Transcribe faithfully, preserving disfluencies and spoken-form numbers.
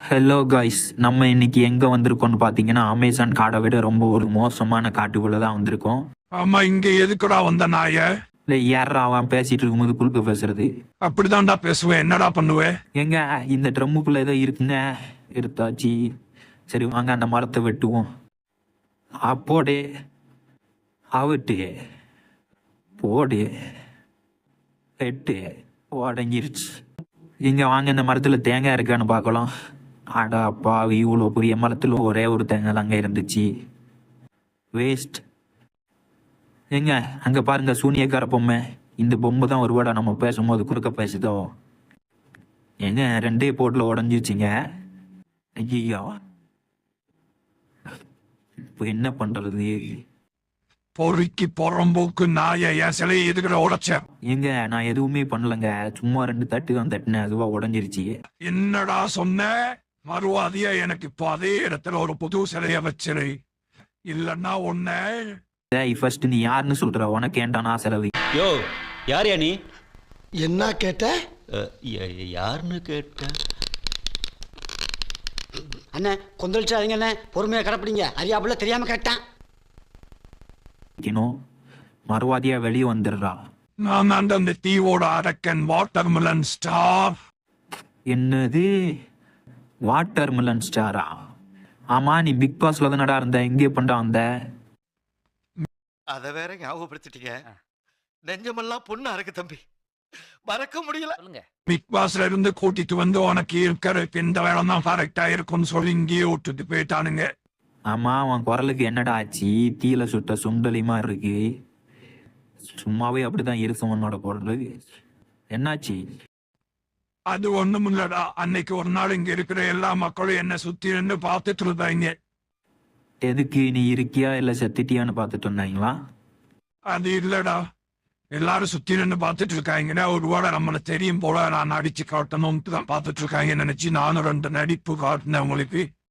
Hello guys, நம்ம இன்னைக்கு எங்க வந்திருக்கோம்னு பாத்தீங்கன்னா அமேசான் காடை விட ரொம்ப ஒரு மோசமான காட்டுக்குள்ள தான் வந்திருக்கோம். ஆமா, இங்க எதுக்குடா வந்த நாய? இல்லை, யாரா அவன் பேசிட்டு இருக்கும்போது குறுக்க பேசுறது? அப்படிதான்டா பேசுவேன், என்னடா பண்ணுவேன்? எங்க இந்த ட்ரம்முக்குள்ள ஏதோ இருக்குங்க. எடுத்தாச்சு. சரி வாங்க அந்த மரத்தை வெட்டுவோம். அப்போடே அவிட்டு போடு வெட்டு உடஞ்சிருச்சு. இங்க வாங்க இந்த மரத்துல தேங்காய் இருக்கான்னு பார்க்கலாம். அடா அப்பா, இவ்வளோ பெரிய மரத்துல ஒரே ஒரு தேங்காய் அங்கே இருந்துச்சு. வேஸ்ட். எங்க அங்க பாருங்க, சூனியக்கார பொம்மை. இந்த பொம்மை தான் ஒரு வேடா நம்ம பேசும்போது குறுக்க பேசுதோ. எங்க ரெண்டே போட்டில் உடஞ்சிருச்சிங்க. ஐயோ, இப்போ என்ன பண்றது? பொறுக்கி பொறம்போக்கு நாய, என் சிலையை எதுக்குற உடைச்ச? எங்க நான் எதுவுமே பண்ணலங்க, சும்மா ரெண்டு தட்டு தான் தட்டினேன், அதுவா உடஞ்சிருச்சு. என்னடா சொன்ன? மறுவாதியா எனக்கு இப்போ அதே இடத்துல ஒரு புது சிலைய வச்சிரு, இல்லன்னா ஒன்ன. டேய், ஃபர்ஸ்ட் நீ யாருன்னு சொல்ற? உனக்கு ஏன்டா நான் செலவு? யோ, யார்யா நீ? என்ன கேட்ட? அஹ், ய- யாருன்னு கேட்ட? அண்ணே கொந்தளிச்சாதீங்க அண்ணே, பொறுமையா கடப்பிடிங்க. அறியாப்புல தெரியாம கேட்டான். மறுவாதியா வெளியே வந்துடுறா. நான் அந்த அந்த தீவோட அரக்கன் வாட்டர்மெலன் ஸ்டார். என்னது வாட்டர் மிலன் ஸ்டாரா? ஆமா, நீ பிக் பாஸ்ல தானடா இருந்த, எங்கே பண்ணா வந்த? அத வேற ஞாபகப்படுத்திட்டீங்க. நெஞ்சமெல்லாம் பொண்ணா இருக்கு தம்பி, மறக்க முடியல. பிக் பாஸ்ல இருந்து கூட்டிட்டு வந்து உனக்கு இருக்கிற இந்த வேலை தான் கரெக்டா இருக்கும்னு சொல்லி இங்கேயே விட்டுட்டு போயிட்டானுங்க. ஆமா, அவன் குரலுக்கு என்னடா ஆச்சு? தீல சுட்ட சுண்டலிமா இருக்கு. சும்மாவே அப்படிதான் இருக்கும் உன்னோட குரல். என்னாச்சு? அது ஒண்ணும் இல்லடா, அன்னைக்கு ஒரு நாள் இங்க இருக்கிற எல்லா மக்களும் என்ன சுத்தி நின்று பார்த்துட்டு இருந்தாங்க. எதுக்கு? நீ இருக்கியா இல்ல செத்துட்டியான்னு பார்த்துட்டு இருந்தாங்களா? அது இல்லடா, எல்லாரும் சுத்தி நின்று பார்த்துட்டு இருக்காங்கன்னா ஒருவேளை நம்மள தெரியும் போல நான் நடிச்சு காட்டணும்னு தான் பார்த்துட்டு இருக்காங்க நினைச்சு நானும் ரெண்டு நடிப்பு காட்டினேன் உங்களுக்கு.